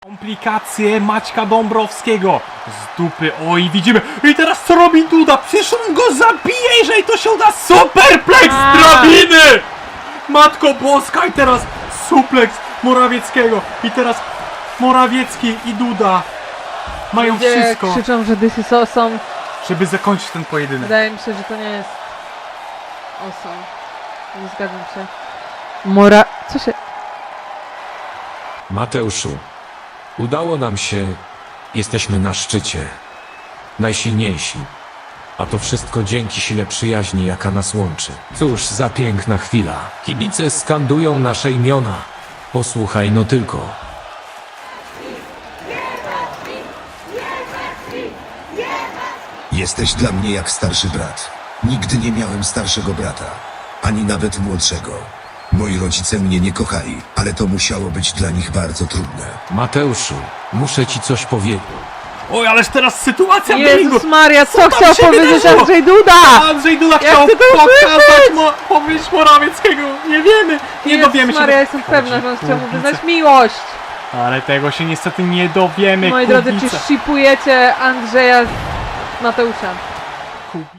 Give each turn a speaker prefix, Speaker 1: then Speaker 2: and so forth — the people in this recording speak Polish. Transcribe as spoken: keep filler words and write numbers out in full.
Speaker 1: Komplikacje Maćka Dąbrowskiego z dupy, oj widzimy, i teraz co robi Duda? Przecież on go zabije, jeżeli to się uda. Superplex z drabiny! Matko Boska, i teraz suplex Morawieckiego, i teraz Morawiecki i Duda mają
Speaker 2: Ludzie
Speaker 1: wszystko,
Speaker 2: krzyczą, że this is awesome.
Speaker 1: żeby zakończyć ten pojedynek.
Speaker 2: Wydaje mi się, że to nie jest awesome. Nie zgadzam się. Mora... Co się...
Speaker 3: Mateuszu, udało nam się. Jesteśmy na szczycie. Najsilniejsi. A to wszystko dzięki sile przyjaźni, jaka nas łączy. Cóż za piękna chwila. Kibice skandują nasze imiona. Posłuchaj no tylko.
Speaker 4: Jesteś dla mnie jak starszy brat. Nigdy nie miałem starszego brata, ani nawet młodszego. Moi rodzice mnie nie kochali, ale to musiało być dla nich bardzo trudne.
Speaker 3: Mateuszu, muszę ci coś powiedzieć.
Speaker 1: Oj, ależ teraz sytuacja w
Speaker 2: Jezus
Speaker 1: ringu.
Speaker 2: Maria, co
Speaker 1: tam
Speaker 2: chciał
Speaker 1: się
Speaker 2: powiedzieć
Speaker 1: wydarzyło?
Speaker 2: Andrzej Duda?
Speaker 1: Andrzej Duda
Speaker 2: Ja
Speaker 1: chciał
Speaker 2: chcę to
Speaker 1: pokazać,
Speaker 2: usłyszeć!
Speaker 1: mo powiedzieć Morawieckiego. Nie wiemy, nie
Speaker 2: Jezus
Speaker 1: dowiemy się.
Speaker 2: Maria, jestem pewna, że on chciał mu
Speaker 1: Kurwice.
Speaker 2: wyznać miłość.
Speaker 1: Ale tego się niestety nie dowiemy.
Speaker 2: Moi drodzy, czy
Speaker 1: kurwice.
Speaker 2: shipujecie Andrzeja z Mateusza?